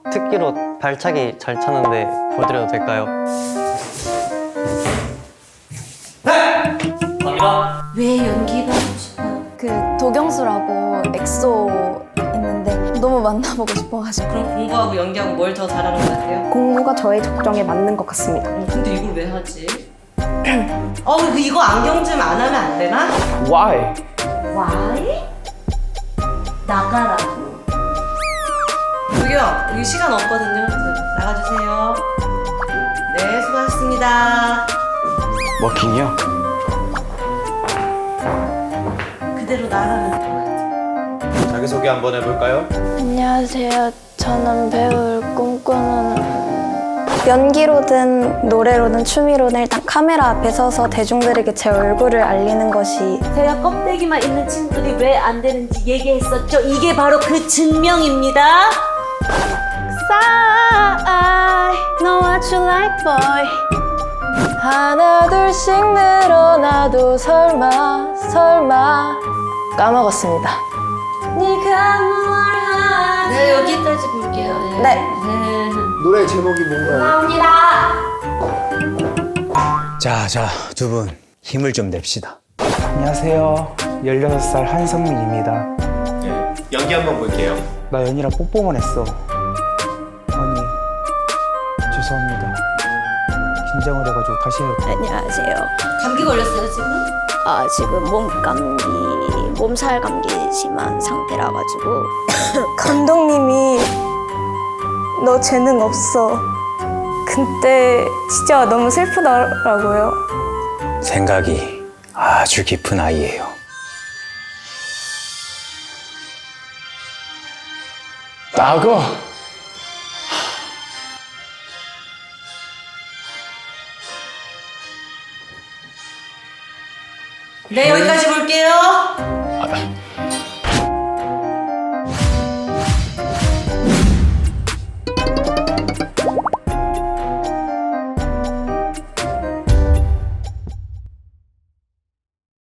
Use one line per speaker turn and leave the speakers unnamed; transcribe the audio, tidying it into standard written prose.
특기로 발차기 잘 차는데 보여드려도 될까요? 감사합니다.
왜 연기가 하고 싶어요?
그 도경수라고 엑소 있는데 너무 만나보고 싶어가지고.
그럼 공부하고 연기하고 뭘 더 잘하는 것 같아요?
공부가 저의 적정에 맞는 것 같습니다.
근데 이걸 왜 하지? 이거 안경쯤 안 하면 안 되나?
Why?
Why? 나가라고. 저기요, 여기 시간 없거든요. 나가주세요. 네, 수고하셨습니다.
워킹이요?
그대로 나가면 돼요.
자기소개 한번 해볼까요?
안녕하세요. 저는 배우를 꿈꾸는 연기로든 노래로든 춤이로든 일단 카메라 앞에 서서 대중들에게 제 얼굴을 알리는 것이
제가 껍데기만 있는 친구들이 왜 안 되는지 얘기했었죠. 이게 바로 그 증명입니다.
I know what you like boy 하나 둘씩 늘어나도 설마 까먹었습니다.
네가 뭘 하지?
네, 여기까지 볼게요.
네.
노래 제목이 뭔가요?
자, 두 분 힘을 좀 냅시다.
안녕하세요. 16살 한성민입니다.
네, 연기 한번 볼게요.
나 연이랑 뽀뽀만 했어. 아니, 죄송합니다. 긴장을 해가지고 다시 해요.
안녕하세요.
감기 걸렸어요, 지금?
지금 몸살 감기 심한 상태라 가지고 감독님이 너 재능 없어. 그때 진짜 너무 슬프더라고요.
생각이 아주 깊은 아이예요.
나고!
네, 여기까지 볼게요.